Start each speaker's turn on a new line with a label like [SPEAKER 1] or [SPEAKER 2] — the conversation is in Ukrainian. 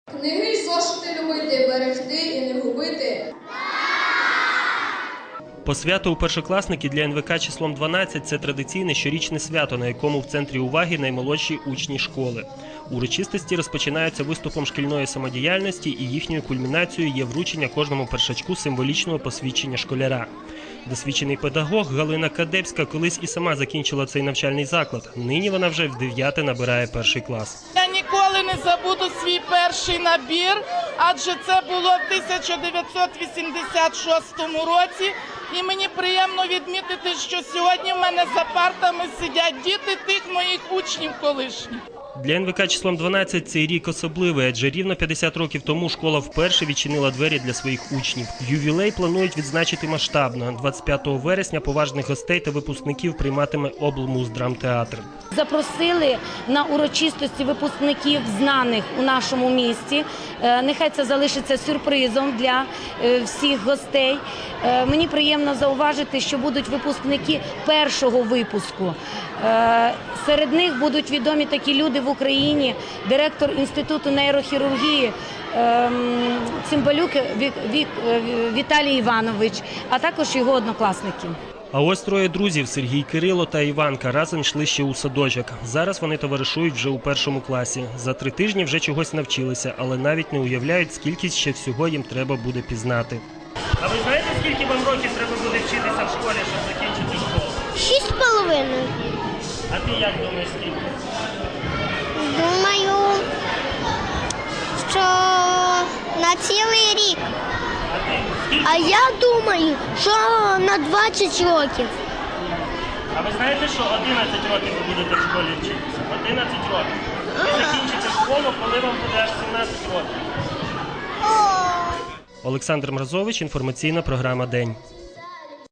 [SPEAKER 1] Книги й зошити любити, берегти і не губити.
[SPEAKER 2] Посвято у першокласники для НВК числом 12 – це традиційне щорічне свято, на якому в центрі уваги наймолодші учні школи. Урочистості розпочинаються виступом шкільної самодіяльності, і їхньою кульмінацією є вручення кожному першачку символічного посвідчення школяра. Досвідчений педагог Галина Кадебська колись і сама закінчила цей навчальний заклад. Нині вона вже в 9-те набирає перший клас.
[SPEAKER 3] Я ніколи не забуду свій перший набір, адже це було в 1986 році. І мені приємно відмітити, що сьогодні в мене за партами сидять діти тих моїх учнів колишніх.
[SPEAKER 2] Для НВК числом 12 цей рік особливий, адже рівно 50 років тому школа вперше відчинила двері для своїх учнів. Ювілей планують відзначити масштабно. 25 вересня поважних гостей та випускників прийматиме облмуздрамтеатр.
[SPEAKER 4] Запросили на урочистості випускників знаних у нашому місті. Нехай це залишиться сюрпризом для всіх гостей. Мені приємно зауважити, що будуть випускники першого випуску. Серед них будуть відомі такі люди в Україні, директор Інституту нейрохірургії Цимбалюк Віталій Іванович, а також його однокласники.
[SPEAKER 2] А ось троє друзів – Сергій, Кирило та Іванка – разом йшли ще у садочок. Зараз вони товаришують вже у першому класі. За 3 тижні вже чогось навчилися, але навіть не уявляють, скільки ще всього їм треба буде пізнати. А ви знаєте, скільки вам років треба буде вчитися в школі, щоб закінчити школу?
[SPEAKER 5] 6,5.
[SPEAKER 2] А ти як думаєш, скільки?
[SPEAKER 5] Думаю, що на цілий рік. А я думаю, що на 20 років.
[SPEAKER 2] А ви знаєте, що 11 років ви будете в школі вчитися? 11 років. Ви закінчите школу, коли вам буде аж 17 років. Олександр Мразович, інформаційна програма «День».